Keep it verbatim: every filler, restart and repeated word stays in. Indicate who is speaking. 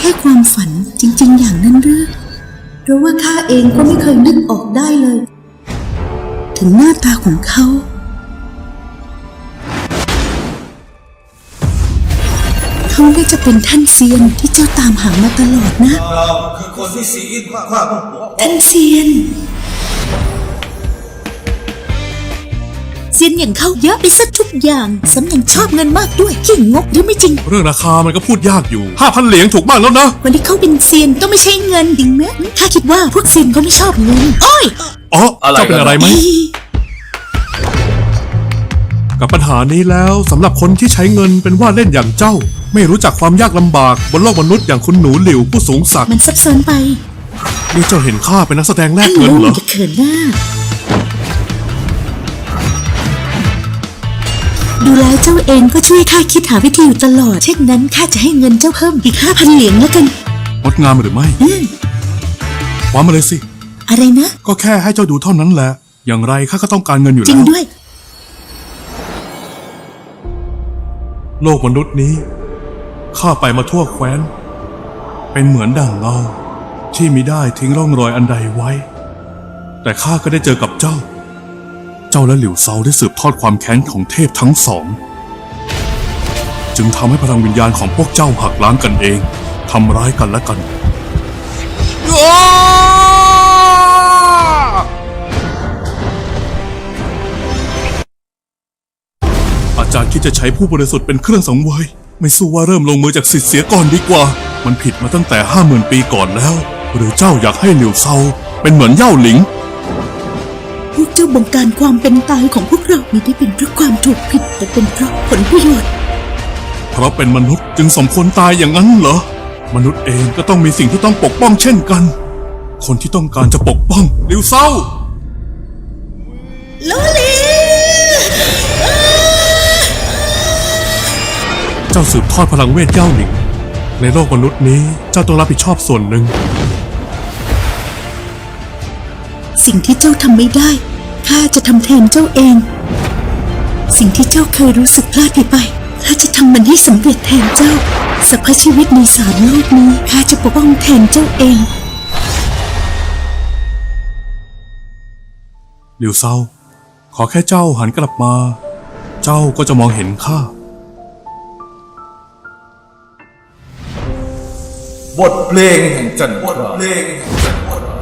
Speaker 1: ค่ความฝันจริงๆอย่างนั้นหรือเพราะว่าข้าเองก็ไม่เคยนึกออกได้เลย ถึงหน้าตาของเขาเขาน่าจะเป็นท่านเซียนที่เจ้าตามหามาตลอดนะ
Speaker 2: เราคือคนที่ซีอินข้าต้องปกป้อง
Speaker 1: ท่านเซียนเซียนอย่างเขาเยอะไปซะทุกอย่างสำยังชอบเงินมากด้วยขี้งกหรือไม่จริง
Speaker 3: เรื่องราคามันก็พูดยากอยู่ ห้าพัน เหรียญถูกมากแล้วนะ
Speaker 1: คนที่เขาเป็นเซียนต้องไม่ใช่เงินจริงไหมข้าคิดว่าพวกเซียนเขาไม่ชอบเงินโอ้ย
Speaker 3: อ๋อเจ้าเป็นอะไรไหมกับปัญหานี้แล้วสำหรับคนที่ใช้เงินเป็นว่าเล่นอย่างเจ้า ไม่รู้จักความยากลำบากบนโลกมนุษย์อย่างคุณหนูหลิวผู้สูงศักดิ์
Speaker 1: มันซับซ้อนไป
Speaker 3: นี่เจ้าเห็นข้าเป็นนักแสดงแลกเงินเหรอ
Speaker 1: จะเขินหน้าดูแลเจ้าเองก็ช่วยข้าคิดหาวิธีอยู่ตลอดเช่นนั้นข้าจะให้เงินเจ้าเพิ่มอีกห้าพันเหรียญแล้วกัน
Speaker 3: งดงามหรือไม่ว่ามาเลยสิ
Speaker 1: อะไรนะ
Speaker 3: ก็แค่ให้เจ้าดูเท่านั้นแหละอย่างไรข้าก็ต้องการเงินอยู่แล้ว
Speaker 1: จริงด้วย
Speaker 3: โลกมนุษย์นี้ข้าไปมาทั่วแคว้นเป็นเหมือนดั่งเงาที่มิได้ทิ้งร่องรอยอันใดไว้แต่ข้าก็ได้เจอกับเจ้าเจ้าและหลิวเซาได้สืบทอดความแค้นของเทพทั้งสองจึงทำให้พลังวิญญาณของพวกเจ้าหักล้างกันเองทำร้ายกันและกันอาจารย์คิดจะใช้ผู้บริสุทธิ์เป็นเครื่องสังเวยไม่สู้ว่าเริ่มลงมือจากศิษย์เสียก่อนดีกว่ามันผิดมาตั้งแต่ห้าหมื่นปีก่อนแล้วหรือเจ้าอยากให้หลิวเซาเป็นเหมือนเย่าหลิง
Speaker 1: พวกเจ้าบงการความเป็นตายของพวกเราไม่ได้เป็นเพราะความถูกผิดแต่เป็นเพราะผลประโยชน์
Speaker 3: เพราะเป็นมนุษย์จึงสมควรตายอย่างนั้นเหรอมนุษย์เองก็ต้องมีสิ่งที่ต้องปกป้องเช่นกันคนที่ต้องการจะปกป้องหลิวเซา
Speaker 1: โลลี
Speaker 3: เจ้าสืบทอดพลังเวทเย่าหลิงในโลกมนุษย์นี้เจ้าต้องรับผิดชอบส่วนหนึ่ง
Speaker 1: สิ่งที่เจ้าทำไม่ได้ข้าจะทำแทนเจ้าเองสิ่งที่เจ้าเคยรู้สึกพลาดไปข้าจะทำมันให้สำเร็จแทนเจ้าสรรพชีวิตในสามโลกนี้ข้าจะปกป้องแทนเจ้าเอง
Speaker 3: หลิวเซาขอแค่เจ้าหันกลับมาเจ้าก็จะมองเห็นข้า
Speaker 2: บทเพลงแห่งจันทราบทเพลงแห่งจันทรา